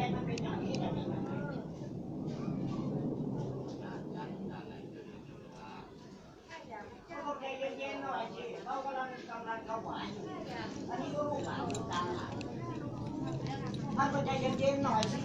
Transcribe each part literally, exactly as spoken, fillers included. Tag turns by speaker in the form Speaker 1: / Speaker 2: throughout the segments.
Speaker 1: มันเป็นอย่างนี้เนี่ยเขาใจเย็นๆหน่อยสิเขากำลังกำลังถวายอยู่อันนี้ก็ลูกหลานลูกตาท่านก็ใจเย็นๆหน่อยสิ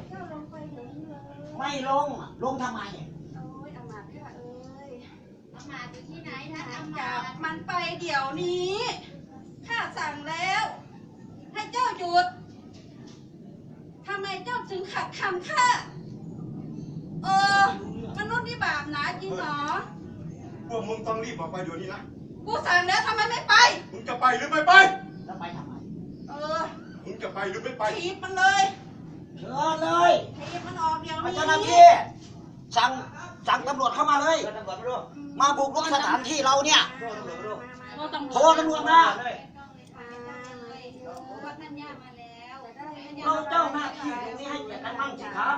Speaker 1: ไม่ลงลงทำไม
Speaker 2: โอ้ยอามาตย์ค่ะเอ้ย
Speaker 3: อามาตย์อยู่ที่ไหนนะอามา
Speaker 2: จั
Speaker 3: ต
Speaker 2: บ
Speaker 3: ย์
Speaker 2: มันไปเดี๋ยวนี้ข้าสั่งแล้วให้เจ้าหยุดทำไมเจ้าถึงขัดคำข้าเออมนุษย์นี่บาปหนาจริงเหรอ
Speaker 4: พวกมึงต้องรีบออกไปเดี๋ยวนี้นะ
Speaker 2: กูสั่งแล้วทำไมไม่ไป
Speaker 4: มึงจะไปหรือไม่ไป
Speaker 1: แล้วไปทำไม
Speaker 2: เออ
Speaker 4: มึงจะไปหรือไม่ไป
Speaker 2: ถีบมันเลย
Speaker 1: เชิญเลย
Speaker 2: ถีบมันออกเดี๋ยวนี้
Speaker 1: เจ้าหน้าที่สั่งสั่งตำรวจเข้ามาเลยมาบุกรุกสถานที่เราเนี่ยโทรตำรวจมาเราเจ้าหน้าที่ตรงนี้ให้เกียรติกันบ้างสิครับ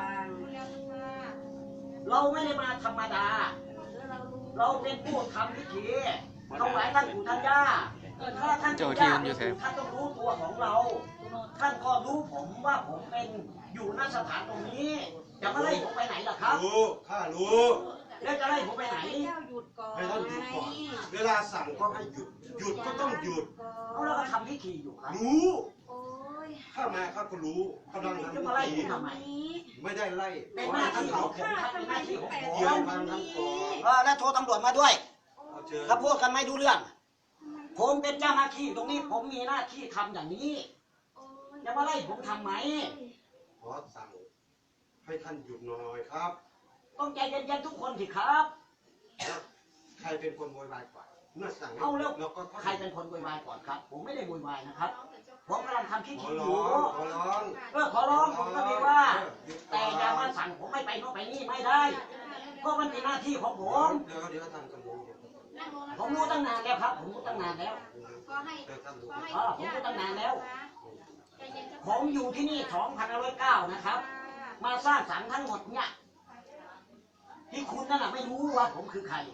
Speaker 1: เราไม่ได้มาธรรมดาเราเป็นผู้ทำพิธีถวายท่านปู่ท่านย่าถ้าท่านปู่ย่าท่านต้องรู้ตัวของเราท่านก็รู้ผมว่าผมเป็นอยู่ณสถานตรงนี้จะมาไล่ผมไปไหนล่ะครับ
Speaker 4: รู้ข้ารู้
Speaker 1: แล้วจะไล่ผมไปไหน
Speaker 4: ให้ท่านหยุดก่อนเวลาสั่งก็ให้หยุดหยุดก็ต้องหยุด
Speaker 1: เอาแล้วก็ทำพิธีอยู่ครับ
Speaker 4: รู้ข้ามาข้าก็รู้กำลังทำพิธีไม่ได้ไล่
Speaker 1: เป็นหน้าที่ของผมครับเป็นหน้าที่ของผม
Speaker 4: เดี๋ยวฟังท่านก่อน
Speaker 1: เออแล้วโทรตำรวจมาด้วยถ้าพูดกันไม่ดูเรื่องผมเป็นเจ้าหน้าที่ตรงนี้ผมมีหน้าที่ทำอย่างนี้จะมาไล่ผมทำไหม
Speaker 4: ขอสั่งให้ท่านหยุดหน่อยครับ
Speaker 1: ต้องใจเย็นๆทุกคนสิครับ
Speaker 4: ใครเป็นคนโวยวายก่อนเมื่อสั่ง
Speaker 1: เอาแล้วใครเป็นคนโวยวายก่อนครับผมไม่ได้โวยวายนะครับผมกำลังทำพิธีอยู่
Speaker 4: ขอร้อง
Speaker 1: เออขอร้องผมก็ดีว่าแต่อย่ามาสั่งผมไม่ไปโน่นไปนี่ไม่ได้เพราะมันเป็นหน้าที่ของผม
Speaker 4: เดี๋ยวเดี๋ยวท่านก็รู้
Speaker 1: ผมรู้ตั้งนานแล้วครับผมรู้ตั้งนานแล้ว
Speaker 3: ก็ให้
Speaker 1: เออผมรู้ตั้งนานแล้วผมอยู่ที่นี่สองพันห้าร้อยเก้านะครับมาสร้างสรรค์ทั้งหมดเนี่ยที่คุณนั่นแหละไม่รู้ว่าผมคือใคร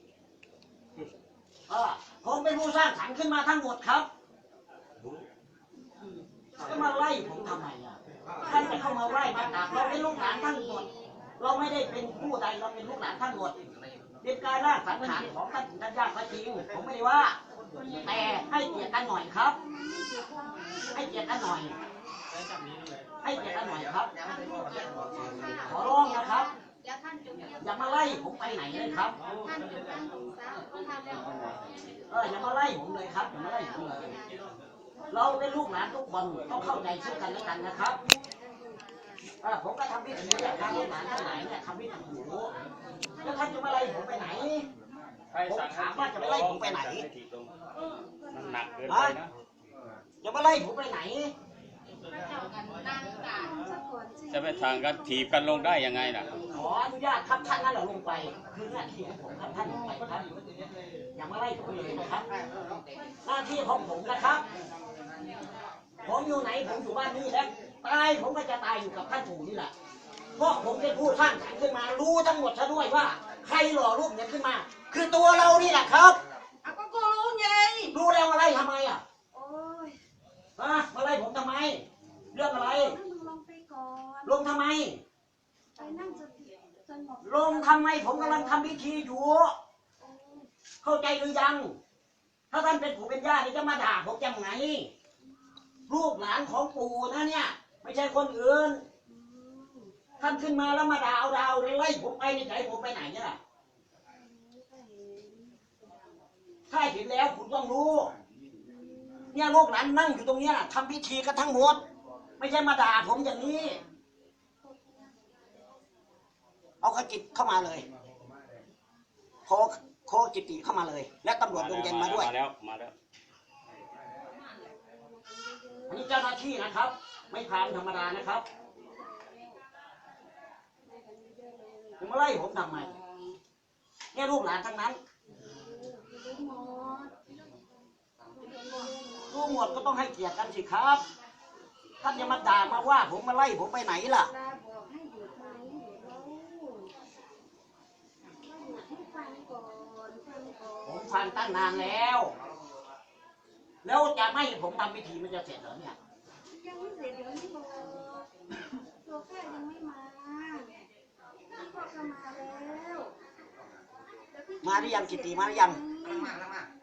Speaker 1: เออผมเป็นผู้สร้างสรรค์ขึ้นมาทั้งหมดครับจะมาไล่ผมทำไมอ่ะท่านจะเข้ามาไล่มาตัดเราเป็นลูกหลานทั้งหมดเราไม่ได้เป็นผู้ใดเราเป็นลูกหลานทั้งหมดเป็นกายร่างสังขารของท่านท่านญาติก็จริงผมไม่ได้ว่าแต่ให้เกียรติกันหน่อยครับให้เกียรติกันหน่อยให้เกียรติกันหน่อยครับขอร้องนะครับอย่ามาไล่ผมไปไหนเลยครับเอออย่ามาไล่ผมเลยครับอย่ามาไล่ผมเลยเราเป็นลูกหลานทุกคนต้องเข้าใจซึ่งกันและกันนะครับเออผมก็ทำพิธีอย่างทางลูกหลานทั้งหลายเนี่ยทำพิธีอยู่แล้วท่านจะมาไล่ผมไปไหนผมถามว่าจะมาไล่ผมไปไหน
Speaker 5: มันหนักเกินไปนะ
Speaker 1: จะมาไล่ผมไปไหน
Speaker 5: จะไปทางกันถีบกันลงได้ยังไงล่ะ
Speaker 1: ขออนุญาตครับท่านนั่นแหละลงไปคือหน้าที่ของผมครับท่านลงไปครับอย่ามาไล่ผมเลยนะครับหน้าที่ของผมนะครับผมอยู่ไหนผมอยู่บ้านนี้แล้วตายผมก็จะตายอยู่กับท่านปู่นี่แหละเพราะผมเป็นผู้สร้างสรรค์ขึ้นมารู้ทั้งหมดซะด้วยว่าใครหล่อรูปเนี่ยขึ้นมาคือตัวเรานี่แหละครับ
Speaker 2: อ่ะก็กูรู้ไง
Speaker 1: รู้แล้วมาไล่ทำไมอ่ะ
Speaker 2: โอ้ย
Speaker 1: ฮะมาไล่ผมทำไมเรื่องอะไร
Speaker 2: ลงไปก่อน
Speaker 1: ลงทำไม
Speaker 2: ไปนั่งสติสงบ
Speaker 1: ลงทำไมผมกำลังทำพิธีอยู่เข้าใจหรือยังถ้าท่านเป็นปู่เป็นย่านี่จะมาด่าผมยังไงลูกหลานของปู่นะเนี่ยไม่ใช่คนอื่นท่านขึ้นมาแล้วมาด่าเอาดาวไล่ผมไปในใจผมไปไหนเนี่ยถ้าเห็นแล้วคุณต้องรู้เนี่ยลูกหลานนั่งอยู่ตรงนี้ทำพิธีกันทั้งหมดไม่ใช่มาด่าผมอย่างนี้เอาขจิตเข้ามาเลยโคโคจิตติเข้ามาเลยและตำรวจลงเย็นมาด้วย
Speaker 5: มาแล้วมาแล้ว
Speaker 1: อันนี้เจ้าหน้าที่นะครับไม่พานธรรมดานะครับจะมาไล่ผมทำไมเนี่ยลูกหลานทั้งนั้นรู้หมดก็ต้องให้เกียรติกันสิครับท่านอย่ามาด่ามาว่าผมมาไล่ผมไปไหนล่ะผมฟังตั้งนานแล้วแล้วจะไม่ผมทำพิธีมันจะเสร็จเหรอเนี่ย
Speaker 2: ยังไม่เสร็จเดี๋ยวนี้บอก
Speaker 1: มาหรือยังกิติมาหรือยัง
Speaker 6: กำลังมากำลังมา